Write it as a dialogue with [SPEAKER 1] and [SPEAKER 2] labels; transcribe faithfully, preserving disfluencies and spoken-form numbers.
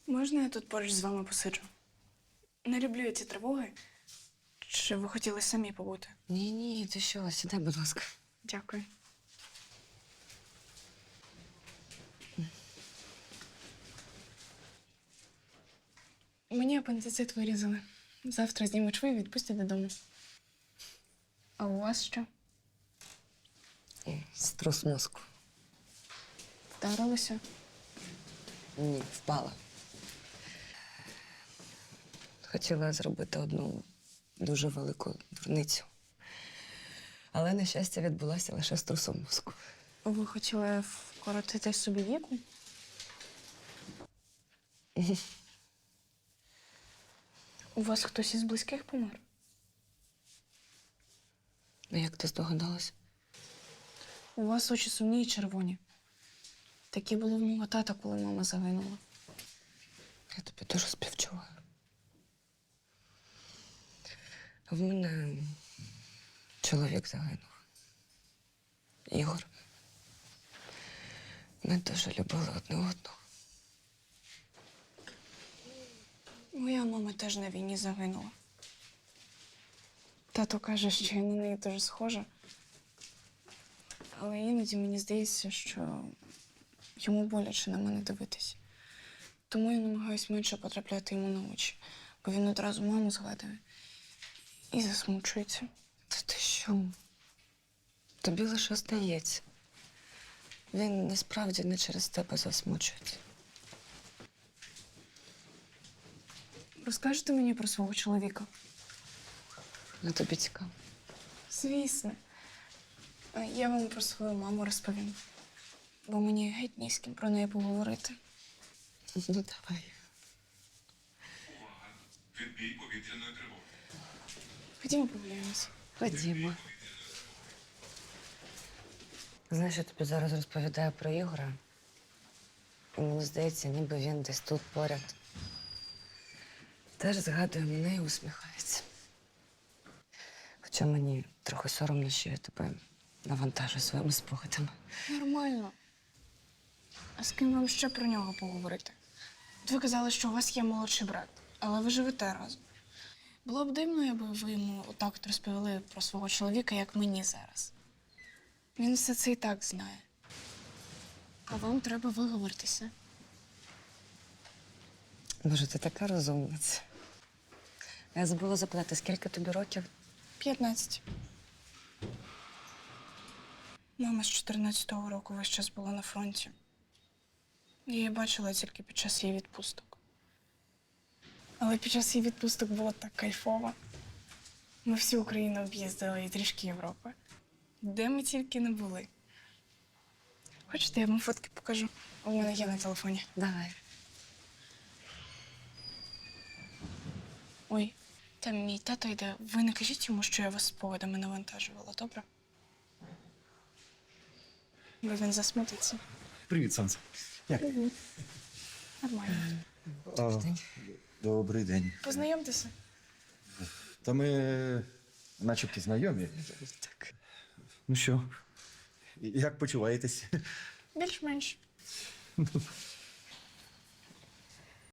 [SPEAKER 1] Можна я тут поруч з вами посиджу? Не люблю я ці тривоги. Чи ви хотіли самі побути?
[SPEAKER 2] Ні, ні, ти що, сідай, будь ласка.
[SPEAKER 1] Дякую. Мені апендицит вирізали. Завтра знімуть шви і відпустять додому. А у вас що?
[SPEAKER 2] Струс мозку.
[SPEAKER 1] Вдарилося?
[SPEAKER 2] Ні, впала. Хотіла зробити одну дуже велику дурницю. Але, на щастя, відбулася лише струсом мозку.
[SPEAKER 1] Ви хотіли вкоротити собі віку? У вас хтось із близьких помер?
[SPEAKER 2] Ну, як ти здогадалась?
[SPEAKER 1] У вас очі сумні і червоні. Такі були в мого тата, коли мама загинула.
[SPEAKER 2] Я тобі дуже співчуваю. В мене чоловік загинув. Ігор. Ми дуже любили одне одного.
[SPEAKER 1] Моя мама теж на війні загинула. Тато каже, що я на неї дуже схожа. Але іноді мені здається, що йому боляче на мене дивитись. Тому я намагаюся менше потрапляти йому на очі, бо він одразу маму згадує і засмучується.
[SPEAKER 2] Та ти що? Тобі лише здається. Він насправді не через тебе засмучується.
[SPEAKER 1] Розкажете мені про свого чоловіка?
[SPEAKER 2] Ну, тобі цікаво.
[SPEAKER 1] Звісно. А я вам про свою маму розповім. Бо мені геть ні з ким про неї поговорити.
[SPEAKER 2] Ну, давай.
[SPEAKER 3] Відбій повітряної тривоги.
[SPEAKER 1] Ходімо погуляємося.
[SPEAKER 2] Ходімо. Знаєш, я тобі зараз розповідаю про Ігора. І мені здається, ніби він десь тут поряд. Теж згадує мене і усміхається. Хоча мені трохи соромно, що я тебе навантажу своїми спогадами.
[SPEAKER 1] Нормально. А з ким вам ще про нього поговорити? От ви казали, що у вас є молодший брат, але ви живете разом. Було б дивно, якби ви йому отак от розповіли про свого чоловіка, як мені зараз. Він все це і так знає. А вам треба виговоритися.
[SPEAKER 2] Боже, ти така розумниця. Я забула запитати, скільки тобі років?
[SPEAKER 1] П'ятнадцять. Мама з чотирнадцятого року весь час була на фронті. Я її бачила тільки під час її відпусток. Але під час її відпусток було так кайфово. Ми всю Україну об'їздили і трішки Європи. Де ми тільки не були. Хочете, я вам фотки покажу? У мене є на телефоні.
[SPEAKER 2] Давай.
[SPEAKER 1] Ой, там мій тато йде. Ви не кажіть йому, що я вас спогадами навантажувала, добре? Бо він засмутиться.
[SPEAKER 4] Привіт, Сонце. Як?
[SPEAKER 1] Нормально.
[SPEAKER 4] А, добрий день.
[SPEAKER 1] Познайомтеся.
[SPEAKER 4] Та ми начебто знайомі.
[SPEAKER 2] Так.
[SPEAKER 4] Ну що, як почуваєтесь?
[SPEAKER 1] Більш-менш.